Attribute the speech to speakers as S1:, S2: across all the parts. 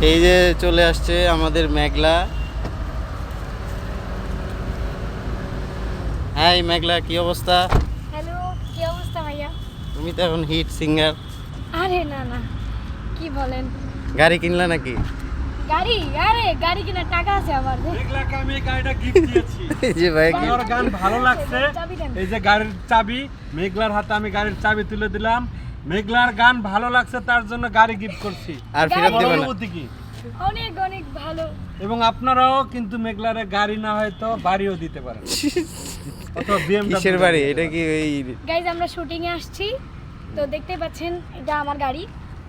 S1: এই যে চলে আসছে আমাদের মেঘলা। হ্যাঁ মেঘলা, কি অবস্থা?
S2: হ্যালো, কি অবস্থা ভাইয়া?
S1: তুমি তো এখন হিট সিঙ্গার।
S2: আরে না না, কি বলেন?
S1: গাড়ি কিনলা নাকি?
S2: গাড়ি? আরে গাড়ি কেনার টাকা আছে আমার।
S3: মেঘলাকে আমি এই গাড়িটা গিফট দিয়েছি।
S1: এই যে ভাই
S3: আমার গান ভালো লাগছে।
S2: চাবি দেন।
S3: এই যে গাড়ির চাবি, মেঘলার হাতে আমি গাড়ির চাবি তুলে দিলাম। মেঘলার গান ভালো লাগছে তার জন্য গাড়ি গিফট করছি।
S1: আর ফেরত দেবে না?
S3: অনুভূতি কি?
S2: অনেক অনেক ভালো।
S3: এবং আপনারাও কিন্তু মেঘলারে গাড়ি না হয়তো বাড়িও দিতে পারেন। অথবা BMW
S1: কিসের বাড়ি এটা? কি ওই
S2: গাইজ আমরা শুটিং এ আসছি, তো দেখতে পাচ্ছেন এটা আমার গাড়ি।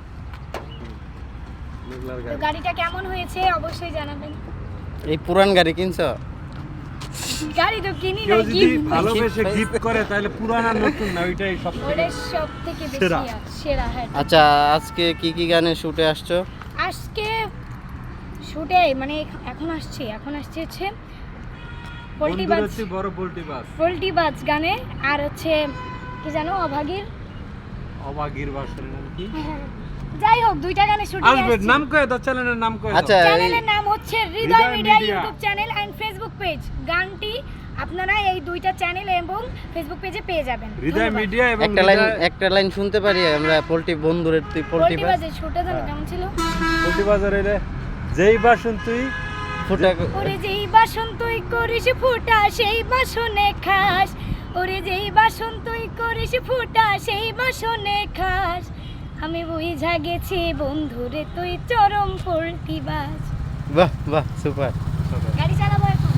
S3: মেঘলার
S2: তো
S3: গাড়ি।
S2: গাড়িটা কেমন হয়েছে অবশ্যই জানাবেন।
S1: এই পুরান গাড়ি কিনছো?
S2: গাড়ি তো কিনি
S3: কেউ
S2: না,
S3: যদি
S2: গিফট।
S3: ভালোবেসে গিফট করে তাহলে পুরানা নতুন না, ওইটাই সব থেকে
S2: ওটা সব থেকে বেশি
S3: সেরা।
S2: সেরা। হ্যাঁ,
S1: আচ্ছা, আজকে কি কি গানে শুটে আসছো?
S2: আজকে শুটে মানে এখন আসছে হচ্ছে পোল্ট্রি বাজ,
S3: বন্ধুর বড় পোল্ট্রি বাস।
S2: পোল্ট্রি বাজ গানে, আর হচ্ছে কি জানো অভাগীর,
S3: অবাগির বাসের নাম কি?
S2: যাই হোক দুইটা গানে শুটিং
S3: আসবে
S2: আসছে।
S3: নাম কয়ে দাও, চ্যানেলের নাম কয়ে দাও।
S1: আচ্ছা
S2: চ্যানেলের নাম হচ্ছে Hridoy
S3: Hridoy
S2: media
S3: media.
S2: YouTube channel and Facebook page. গানটি আপনারা এই দুইটা চ্যানেল এবং ফেসবুক পেজে পেয়ে যাবেন।
S3: হৃদয়
S2: ধন্যবাদ।
S3: মিডিয়া এবং
S1: একটা লাইন শুনতে পারি আমরা? পোল্ট্রি বন্ধুরের তুই পোল্ট্রি
S2: পোল্ট্রি
S1: বাজ
S2: বাজে শুটে জানো কেমন ছিল?
S3: পোল্ট্রি বাজারে এলে যেই বাসন তুই
S1: ফুটা
S2: ওরে যেই বাসন তুই করিস ফুটা সেই বাসনে খাস, ওরে যেই বাসন তুই করিস ফুটা সেই বাসনে খাস, আমি বুঝা গেছি বন্ধুরে তুই চরম পোল্ট্রি বাজ।
S1: বাহ বাহ, সুপার।
S2: গাড়ি চালাবো এখন।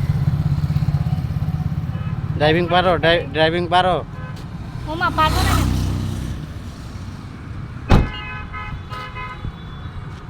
S1: ড্রাইভিং পারো? ড্রাইভিং পারো?
S2: ওমা পারবো না।